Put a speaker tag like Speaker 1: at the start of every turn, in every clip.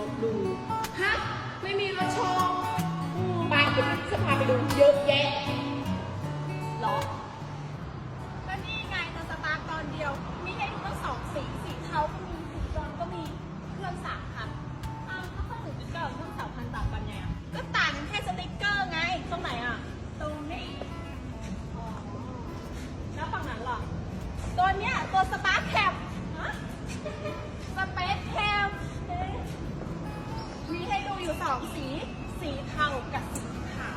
Speaker 1: ถดูฮะไม่มีรถโชว์ไปเดี๋ยวจะพาไปดูเยอะแยะหรอก็นี่ไงตอนสตาร์ทตอนเดียวมีให้ดูตั้ง2 สีสีเทาก็มีสีดำก็มีเครื่อง3,000อ้าวถ้าเขาถึงจะเกิดเครื่อง3,000ต่างกันไงอ่ะก็ต่างกันแค่สติ๊กเกอร์ไงตรงไหนอ่ะตรงนี้แล้วฝั่งนั้นล่ะตัวเนี้ยตัวสปาร์คแคปสเปซแคปมีให้ดูอยู่2 สีสีเทากับสีขาว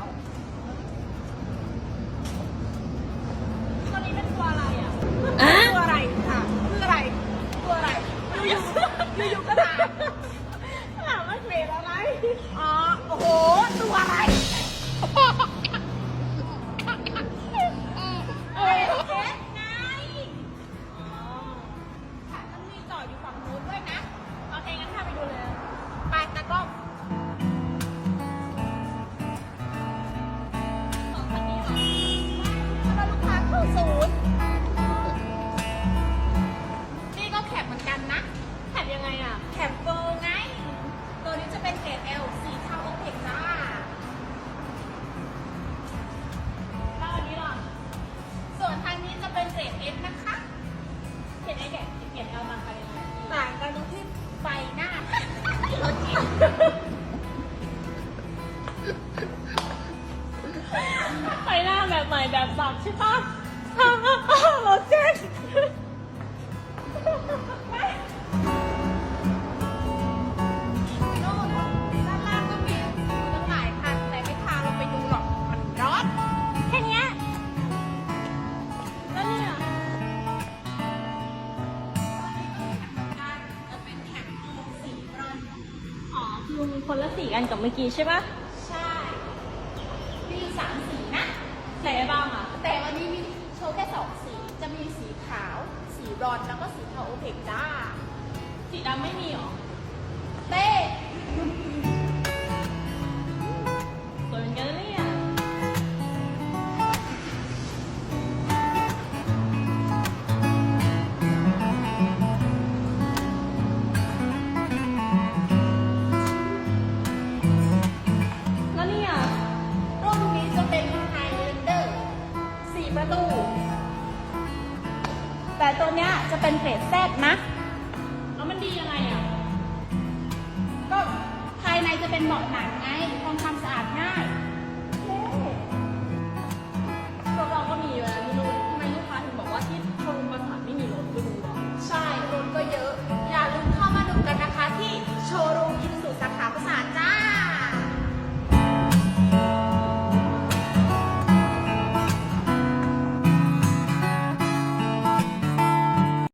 Speaker 1: ตัวนี้เป็นตัวอะไรอ่ะตัวอะไรค่ะคืออะไรตัวอะไรอยู่ก็ถามว่าเกรดอะไรอ๋อโอ้โหตัวอะไรเอ๊ะไงอ๋อค่ะมันมีจอดอยู่ฝั่งนู้นด้วยนะโอเคงั้นพาไปดูเลยไปตากล้อง2 คันนี้เหรอถ้าลูกค้าเข้าศูนย์นี่ก็แคปเหมือนกันนะแคปยังไงอ่ะแคปโกไงตัวนี้จะเป็นเกรด L สีเทาโอเคจ้าแล้วอันนี้ล่ะส่วนทางนี้จะเป็นเกรด S นะคะเกรด S เกรด L ต่างกันยังไงต่างกันตรงที่ไฟหน้ารถเก๋งไฟหน้าแบบใหม่แบบสับใช่ปะรถเจ๊งโน่นด้านล่างก็มีตั้งหลายคันแต่ไม่พาเราไปดูหรอกมันร้อนแค่เนี้ยแล้วเนี่ยจะเป็นแถบสีบรอนซ์อ๋อคือมีคนละสีกันกับเมื่อกี้ใช่ปะใช่มีอยู่3 สีนะใส่บ้างอ่ะแต่วันนี้มีโชว์แค่2 สีจะมีสีขาวสีบรอนซ์แล้วก็สีเทาโอเพกจ้าสีดำไม่มีหรอเต้สวยเหมือนกันเลยอ่ะแล้วเนี่ยรุ่นนี้จะเป็นไฮแลนเดอร์4 ประตู แต่ตัวเนี้ยจะเป็นเกรดแซดนะแล้วมันดียังไงอ่ะก็ภายในจะเป็นเบาะหนังไงทำความสะอาดง่าย